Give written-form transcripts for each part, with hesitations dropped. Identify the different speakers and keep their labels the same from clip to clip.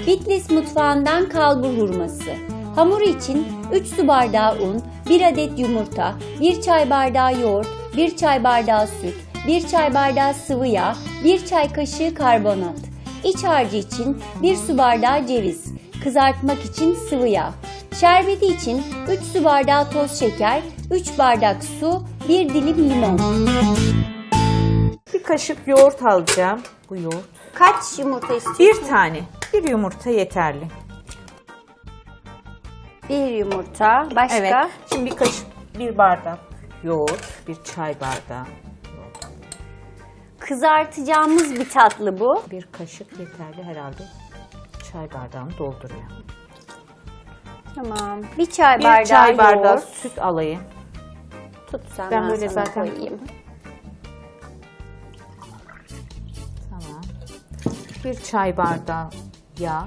Speaker 1: Bitlis mutfağından kalbur hurması. Hamuru için 3 su bardağı un, 1 adet yumurta, 1 çay bardağı yoğurt, 1 çay bardağı süt, 1 çay bardağı sıvı yağ, 1 çay kaşığı karbonat. İç harcı için 1 su bardağı ceviz, kızartmak için sıvı yağ. Şerbeti için 3 su bardağı toz şeker, 3 bardak su, 1 dilim limon.
Speaker 2: Bir kaşık yoğurt alacağım. Bu yoğurt.
Speaker 1: Kaç yumurta istiyorsun?
Speaker 2: Bir tane. Bir yumurta yeterli.
Speaker 1: Bir yumurta. Başka?
Speaker 2: Evet. Şimdi bir kaşık, bir bardak yoğurt, bir çay bardağı.
Speaker 1: Kızartacağımız bir tatlı bu.
Speaker 2: Bir kaşık yeterli herhalde. Çay bardağını dolduruyor.
Speaker 1: Tamam. Bir çay bardağı
Speaker 2: Bir çay bardağı
Speaker 1: yoğurt.
Speaker 2: süt alayım.
Speaker 1: Tut sen,
Speaker 2: Ben böyle
Speaker 1: sana
Speaker 2: zaten
Speaker 1: koyayım.
Speaker 2: Tamam. Bir çay bardağı yağ.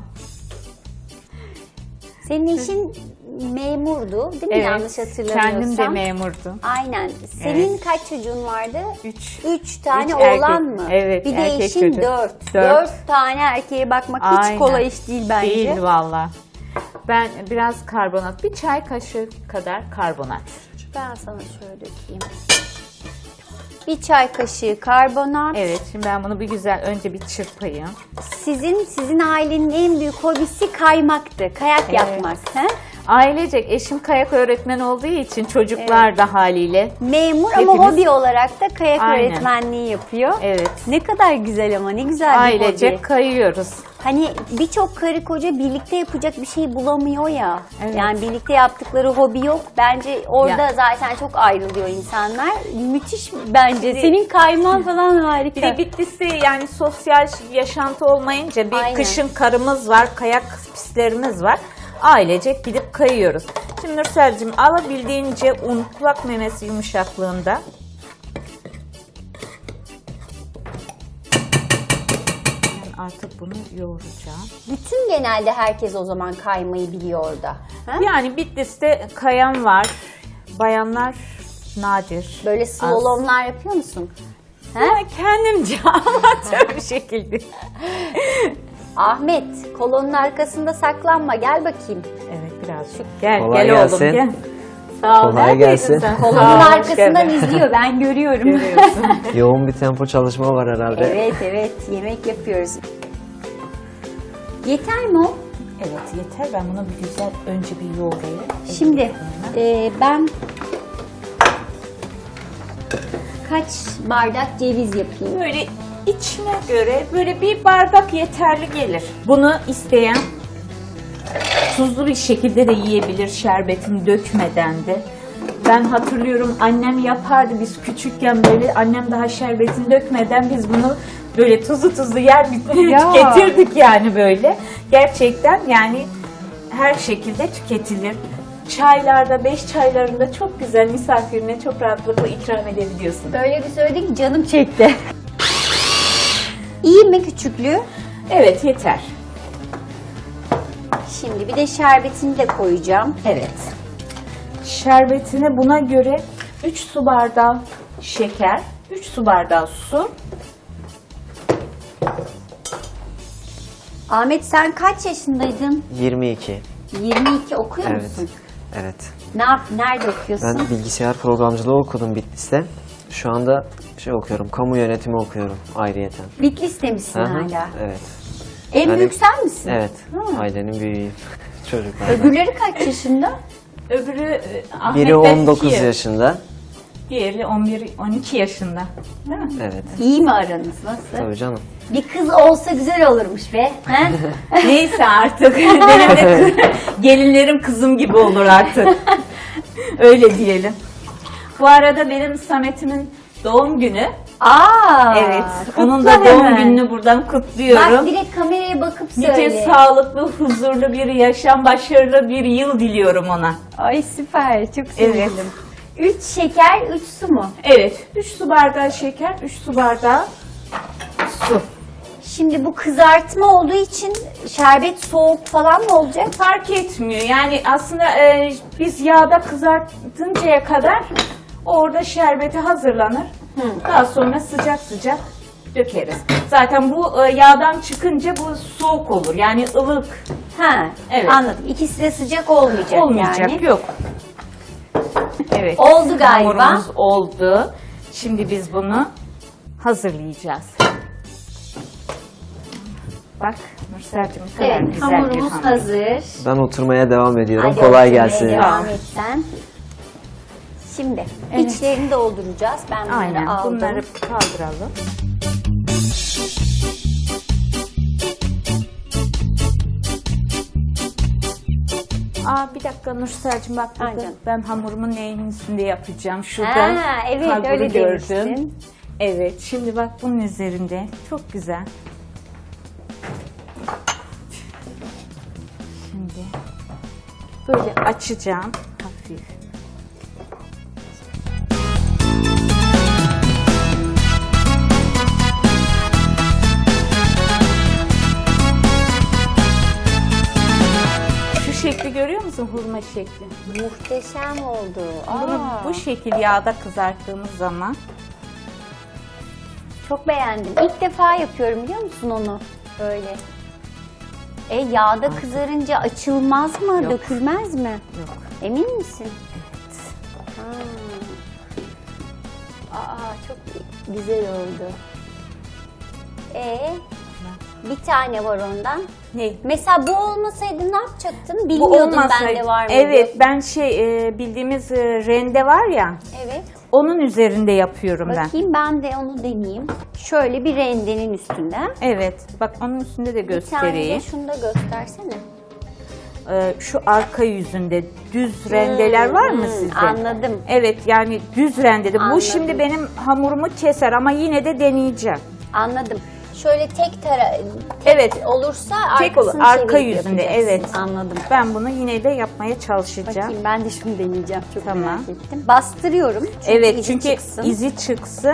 Speaker 1: Senin eşin memurdu değil mi?
Speaker 2: Evet,
Speaker 1: Yanlış hatırlamıyorsam.
Speaker 2: kendim de memurdum.
Speaker 1: Aynen. Senin kaç çocuğun vardı?
Speaker 2: 3.
Speaker 1: 3 tane
Speaker 2: Üç
Speaker 1: oğlan
Speaker 2: erkek.
Speaker 1: mı?
Speaker 2: Evet,
Speaker 1: Bir de
Speaker 2: erkek
Speaker 1: eşin
Speaker 2: çocuk.
Speaker 1: 4.
Speaker 2: Dört.
Speaker 1: 4 tane erkeğe bakmak hiç
Speaker 2: Aynen.
Speaker 1: kolay iş değil bence.
Speaker 2: Değil valla. Ben biraz karbonat, bir çay kaşığı kadar karbonat.
Speaker 1: Ben sana şöyle dökeyim. Bir çay kaşığı karbonat.
Speaker 2: Evet, şimdi ben bunu bir güzel önce bir çırpayım.
Speaker 1: Sizin ailenin en büyük hobisi kaymaktı. Kayak
Speaker 2: Evet.
Speaker 1: yapmak. He?
Speaker 2: Ailecek eşim kayak öğretmeni olduğu için çocuklar da haliyle.
Speaker 1: Memur ama
Speaker 2: Hepimiz-
Speaker 1: hobi olarak da kayak
Speaker 2: Aynen.
Speaker 1: öğretmenliği yapıyor.
Speaker 2: Evet.
Speaker 1: Ne kadar güzel ama ne güzel bir
Speaker 2: Ailecek
Speaker 1: hobi.
Speaker 2: kayıyoruz.
Speaker 1: Hani birçok karı koca birlikte yapacak bir şey bulamıyor ya.
Speaker 2: Evet.
Speaker 1: Yani birlikte yaptıkları hobi yok. Bence orada
Speaker 2: Ya.
Speaker 1: zaten çok ayrılıyor insanlar. Müthiş bence.
Speaker 2: de-
Speaker 1: Senin kayman falan
Speaker 2: Bir
Speaker 1: harika.
Speaker 2: de Bitlis'te yani sosyal yaşantı olmayınca bir
Speaker 1: Aynen.
Speaker 2: kışın karımız var, kayak pistlerimiz var. Ailecek gidip kayıyoruz. Şimdi Nursel'cim alabildiğince un, kulak memesi yumuşaklığında. Ben artık bunu yoğuracağım.
Speaker 1: Bütün genelde herkes o zaman kaymayı biliyor orada. Ha?
Speaker 2: Yani Bitlis'te kayan var, bayanlar nadir.
Speaker 1: Böyle
Speaker 2: Az.
Speaker 1: slalomlar yapıyor musun? Ha?
Speaker 2: Ben kendimce amatör bir şekilde.
Speaker 1: Ahmet, kolonun arkasında saklanma. Gel bakayım.
Speaker 2: Evet birazcık. Gel
Speaker 3: Kolay
Speaker 2: gel
Speaker 3: gelsin.
Speaker 2: oğlum gel. Sağ ol.
Speaker 3: Kolay
Speaker 2: Neredeydin
Speaker 3: gelsin.
Speaker 2: sen?
Speaker 1: Kolonun
Speaker 2: Sağ ol, hoş
Speaker 1: arkasından
Speaker 2: geldin.
Speaker 1: izliyor. Ben görüyorum.
Speaker 2: Görüyorsun.
Speaker 3: Yoğun bir tempo çalışma var herhalde.
Speaker 1: Evet, yemek yapıyoruz. Yeter mi o?
Speaker 2: Evet yeter, ben bunu bir güzel önce bir yoğurayım.
Speaker 1: Şimdi ben kaç bardak ceviz yapayım?
Speaker 2: Böyle içine göre böyle bir bardak yeterli gelir. Bunu isteyen tuzlu bir şekilde de yiyebilir, şerbetini dökmeden de. Ben hatırlıyorum annem yapardı biz küçükken, böyle annem daha şerbetini dökmeden biz bunu böyle tuzlu yer
Speaker 1: Ya.
Speaker 2: tüketirdik yani böyle. Gerçekten yani her şekilde tüketilir. Çaylarda, 5 çaylarında çok güzel misafirine çok rahatlıkla ikram edebiliyorsun.
Speaker 1: Böyle bir söyledin ki canım çekti. İyi mi küçüklüğü?
Speaker 2: Evet yeter.
Speaker 1: Şimdi bir de şerbetini de koyacağım.
Speaker 2: Evet. Şerbetine buna göre 3 su bardağı şeker, 3 su bardağı su.
Speaker 1: Ahmet sen kaç yaşındaydın?
Speaker 3: 22.
Speaker 1: 22 okuyor
Speaker 3: Evet.
Speaker 1: musun?
Speaker 3: Evet.
Speaker 1: Nerede okuyorsun?
Speaker 3: Ben bilgisayar programcılığı okudum Bitlis'te. Şu anda okuyorum. Kamu yönetimi okuyorum ayrıyeten.
Speaker 1: Bitlis'te misin
Speaker 3: Hı hı,
Speaker 1: hala?
Speaker 3: Evet.
Speaker 1: En
Speaker 3: Yani-
Speaker 1: büyük sen misin?
Speaker 3: Evet.
Speaker 1: Hı.
Speaker 3: Ailenin büyüğüyüm. Çocuklardan.
Speaker 1: Öbürleri kaç yaşında?
Speaker 2: Öbürü Ahmet'ten
Speaker 3: Biri 19
Speaker 2: 2,
Speaker 3: yaşında.
Speaker 2: diğeri 11-12 yaşında. Değil mi?
Speaker 3: Evet.
Speaker 1: İyi mi aranız? Nasıl?
Speaker 3: Tabii canım.
Speaker 1: Bir kız olsa güzel olurmuş be. He?
Speaker 2: Neyse artık. Benim de gelinlerim kızım gibi olur artık. Öyle diyelim. Bu arada benim Samet'imin doğum günü.
Speaker 1: Aa,
Speaker 2: Evet.
Speaker 1: kutla
Speaker 2: Onun da doğum
Speaker 1: hemen.
Speaker 2: gününü buradan kutluyorum.
Speaker 1: Bak direkt kameraya bakıp söyle.
Speaker 2: Nice sağlıklı, huzurlu bir yaşam, başarılı bir yıl diliyorum ona.
Speaker 1: Ay süper, çok
Speaker 2: Evet.
Speaker 1: sevindim. 3 şeker, 3 su mu?
Speaker 2: Evet, 3 su bardağı şeker, 3 su bardağı su.
Speaker 1: Şimdi bu kızartma olduğu için şerbet soğuk falan mı olacak?
Speaker 2: Fark etmiyor. Yani aslında biz yağda kızartıncaya kadar orada şerbeti hazırlanır. Daha sonra sıcak sıcak dökeriz. Zaten bu yağdan çıkınca bu soğuk olur. Yani ılık
Speaker 1: Ha,
Speaker 2: Evet.
Speaker 1: anladım. İkisi de sıcak olmayacak,
Speaker 2: olmayacak.
Speaker 1: yani.
Speaker 2: Yok. Evet.
Speaker 1: Oldu galiba.
Speaker 2: Hamurumuz oldu. Şimdi biz bunu hazırlayacağız. Bak Nursel'cim ne kadar
Speaker 1: Evet,
Speaker 2: güzel bir
Speaker 1: hamurumuz
Speaker 2: hamur.
Speaker 1: hazır.
Speaker 3: Ben oturmaya devam ediyorum.
Speaker 1: Hadi
Speaker 3: Kolay
Speaker 1: oturmaya
Speaker 3: gelsin.
Speaker 1: Devam et sen. Şimdi
Speaker 2: Evet.
Speaker 1: içlerini dolduracağız. Ben bunları
Speaker 2: Aynen.
Speaker 1: aldım.
Speaker 2: Bunları kaldıralım. Bir dakika Nursel'cim bak burada
Speaker 1: Aynen.
Speaker 2: ben hamurumun neyin üstünde yapacağım. Şurada
Speaker 1: Ha, evet
Speaker 2: kalburu
Speaker 1: öyle
Speaker 2: gördüm.
Speaker 1: demiştin.
Speaker 2: Evet şimdi bak bunun üzerinde çok güzel. Şimdi böyle açacağım hafif. Şu şekli görüyor musun hurma şekli?
Speaker 1: Muhteşem oldu.
Speaker 2: Bunu bu şekil yağda kızarttığımız zaman
Speaker 1: Çok beğendim. İlk defa yapıyorum biliyor musun onu? Böyle. Yağda kızarınca açılmaz mı?
Speaker 2: Yok.
Speaker 1: Dökülmez mi?
Speaker 2: yok.
Speaker 1: Emin misin?
Speaker 2: Evet.
Speaker 1: Çok güzel oldu. Bir tane var ondan.
Speaker 2: Ne?
Speaker 1: Mesela bu olmasaydı ne yapacaktın?
Speaker 2: Bu
Speaker 1: Bilmiyordum
Speaker 2: olmasaydı.
Speaker 1: bende var mıydı.
Speaker 2: Evet ben bildiğimiz rende var ya
Speaker 1: Evet.
Speaker 2: onun üzerinde yapıyorum ben.
Speaker 1: Bakayım ben de onu deneyeyim. Şöyle bir rendenin üstünde.
Speaker 2: Evet bak onun üstünde de
Speaker 1: Bir tane de
Speaker 2: göstereyim.
Speaker 1: şunu da göstersene.
Speaker 2: Şu arka yüzünde düz rendeler var mı sizde?
Speaker 1: Anladım.
Speaker 2: Evet yani düz rendede.
Speaker 1: Anladım.
Speaker 2: Bu şimdi benim hamurumu keser ama yine de deneyeceğim.
Speaker 1: Anladım. Şöyle tek
Speaker 2: Evet.
Speaker 1: olursa
Speaker 2: Tek olur.
Speaker 1: arkasını
Speaker 2: Arka
Speaker 1: çevirip
Speaker 2: yüzünde
Speaker 1: yapacaksın.
Speaker 2: evet.
Speaker 1: Anladım.
Speaker 2: Ben bunu yine de yapmaya çalışacağım.
Speaker 1: Bakayım ben de şunu deneyeceğim. Çok
Speaker 2: Tamam.
Speaker 1: merak ettim. Bastırıyorum. Çünkü
Speaker 2: Evet
Speaker 1: izi
Speaker 2: çünkü
Speaker 1: çıksın.
Speaker 2: izi çıksın.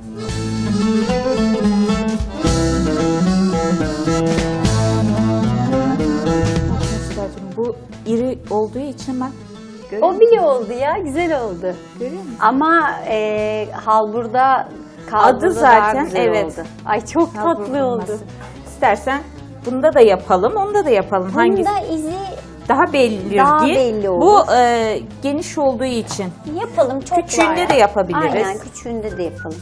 Speaker 2: Bu iri olduğu için bak. görüyor
Speaker 1: O bile oldu ya. Güzel oldu.
Speaker 2: Görüyor musun?
Speaker 1: Ama halburda
Speaker 2: Adı zaten,
Speaker 1: daha güzel
Speaker 2: evet.
Speaker 1: oldu. Ay çok
Speaker 2: Hamur
Speaker 1: tatlı
Speaker 2: hurması.
Speaker 1: oldu.
Speaker 2: İstersen bunda da yapalım, onda da yapalım. Hangisi
Speaker 1: Bunda izi
Speaker 2: daha belli
Speaker 1: Daha
Speaker 2: diye.
Speaker 1: belli olur.
Speaker 2: Bu geniş olduğu için.
Speaker 1: yapalım. Çok
Speaker 2: Küçüğünde
Speaker 1: var.
Speaker 2: de yapabiliriz.
Speaker 1: Aynen küçüğünde de yapalım.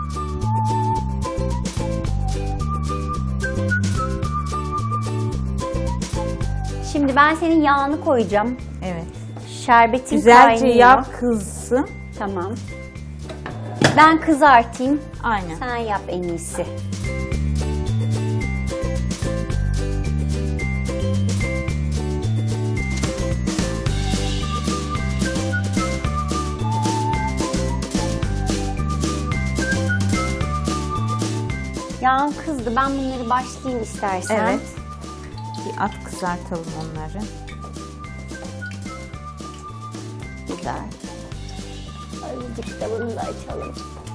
Speaker 1: Şimdi ben senin yağını koyacağım.
Speaker 2: Evet.
Speaker 1: Şerbetin
Speaker 2: Güzelce
Speaker 1: kaynıyor.
Speaker 2: yağ kızsın.
Speaker 1: Tamam. Ben kızartayım.
Speaker 2: Aynen.
Speaker 1: Sen yap en iyisi. Yağın kızdı. Ben bunları başlayayım istersen.
Speaker 2: Evet. Bir at kızartalım onları.
Speaker 1: Güzel. Azıcık da bunu da açalım.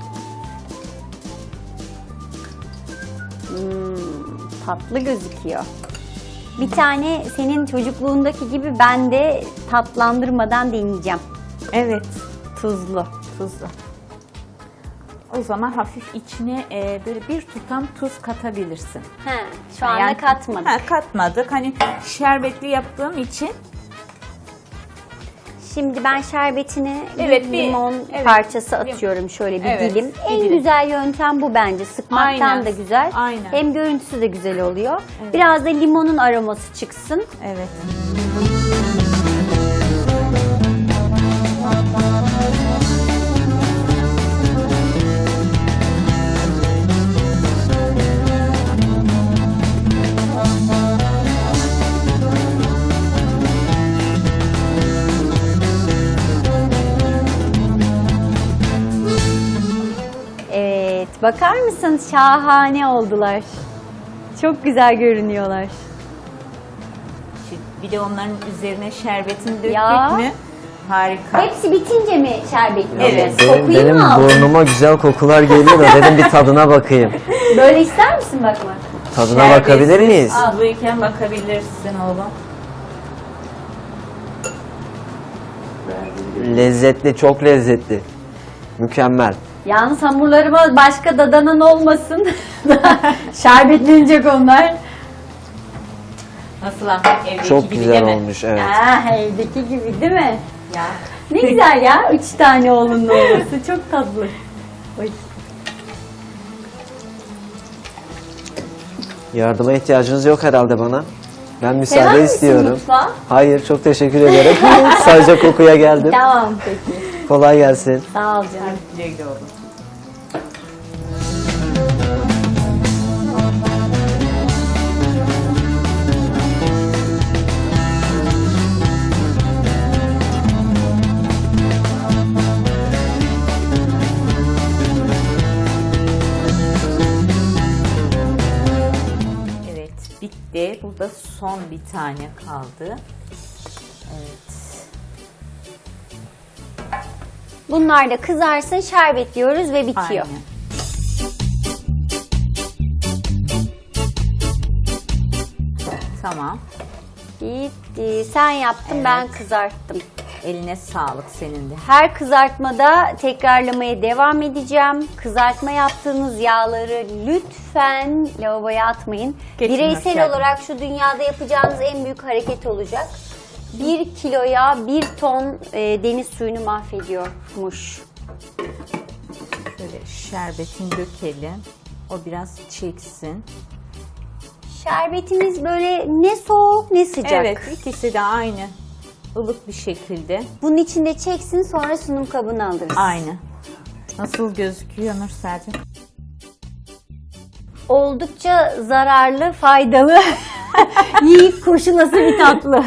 Speaker 1: Tatlı gözüküyor. Bir tane senin çocukluğundaki gibi ben de tatlandırmadan deneyeceğim.
Speaker 2: Evet.
Speaker 1: Tuzlu.
Speaker 2: Tuzlu. O zaman hafif içine böyle bir tutam tuz katabilirsin.
Speaker 1: He, şu anda
Speaker 2: Yani-
Speaker 1: katmadık.
Speaker 2: Ha, katmadık. Hani şerbetli yaptığım için
Speaker 1: Şimdi ben şerbetine
Speaker 2: Evet,
Speaker 1: bir
Speaker 2: bir-
Speaker 1: limon
Speaker 2: evet.
Speaker 1: parçası atıyorum şöyle bir
Speaker 2: Evet,
Speaker 1: dilim.
Speaker 2: bir
Speaker 1: En
Speaker 2: dilim.
Speaker 1: güzel yöntem bu bence. Sıkmaktan
Speaker 2: Aynen,
Speaker 1: da güzel.
Speaker 2: aynen.
Speaker 1: Hem görüntüsü de güzel oluyor. Biraz da limonun aroması çıksın.
Speaker 2: evet.
Speaker 1: Evet, bakar mısınız? Şahane oldular. Çok güzel görünüyorlar.
Speaker 2: Bir de onların üzerine şerbetini döktük
Speaker 1: Ya.
Speaker 2: mü? Harika.
Speaker 1: Hepsi bitince mi şerbetli?
Speaker 2: Evet.
Speaker 1: Kokuyu
Speaker 3: Benim
Speaker 1: mu aldın?
Speaker 3: burnuma güzel kokular geliyor da dedim bir tadına bakayım.
Speaker 1: Böyle ister misin bakmak?
Speaker 3: Tadına bakabilir miyiz?
Speaker 2: Tuzluyken bakabilirsin oğlum.
Speaker 3: Lezzetli, çok lezzetli. Mükemmel.
Speaker 1: Yalnız hamurlarıma başka dadanan olmasın. Şerbetlenecek onlar.
Speaker 2: Nasıl Ahmet, evdeki
Speaker 3: Çok
Speaker 2: gibi
Speaker 3: güzel
Speaker 2: değil mi?
Speaker 3: olmuş, evet.
Speaker 1: Evdeki gibi değil mi?
Speaker 2: Ya.
Speaker 1: Ne güzel ya 3 tane oğlunun olması çok tatlı. Oy.
Speaker 3: Yardıma ihtiyacınız yok herhalde bana. Ben
Speaker 1: Sever
Speaker 3: müsaade
Speaker 1: misin
Speaker 3: istiyorum.
Speaker 1: mutfağı?
Speaker 3: Hayır, çok teşekkür ederim. Sadece kokuya geldim.
Speaker 1: Tamam peki.
Speaker 3: Kolay gelsin.
Speaker 1: Sağ ol canım.
Speaker 2: Güle güle oğlum. Evet, bitti. Burada son bir tane kaldı. Evet.
Speaker 1: Bunlar da kızarsın, şerbetliyoruz ve bitiyor.
Speaker 2: Aynen. Tamam.
Speaker 1: Bitti. Sen yaptın, ben kızarttım.
Speaker 2: Eline sağlık senin de.
Speaker 1: Her kızartmada tekrarlamaya devam edeceğim. Kızartma yaptığınız yağları lütfen lavaboya atmayın.
Speaker 2: Geçin
Speaker 1: Bireysel
Speaker 2: aşağıya.
Speaker 1: olarak şu dünyada yapacağınız en büyük hareket olacak. 1 kiloya 1 ton deniz suyunu mahvediyormuş.
Speaker 2: Şöyle şerbetini dökelim. O biraz çeksin.
Speaker 1: Şerbetimiz böyle ne soğuk ne sıcak.
Speaker 2: Evet, ikisi de aynı. Ilık bir şekilde.
Speaker 1: Bunun içinde çeksin, sonra sunum kabına alırız.
Speaker 2: Aynı. Nasıl gözüküyor Nursel'cim?
Speaker 1: Oldukça zararlı, faydalı, yiyip koşulası bir tatlı.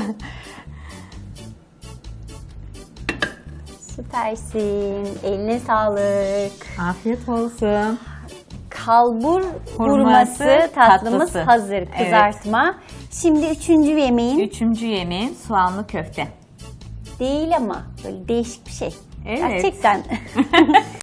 Speaker 1: Süpersin. Eline sağlık.
Speaker 2: Afiyet olsun.
Speaker 1: Kalbur
Speaker 2: Hurması,
Speaker 1: hurması tatlımız
Speaker 2: tatlısı.
Speaker 1: hazır.
Speaker 2: Evet.
Speaker 1: Kızartma. Şimdi 3. yemeğin
Speaker 2: Üçüncü yemeğim soğanlı köfte.
Speaker 1: değil ama böyle değişik bir şey.
Speaker 2: Evet.
Speaker 1: Gerçekten.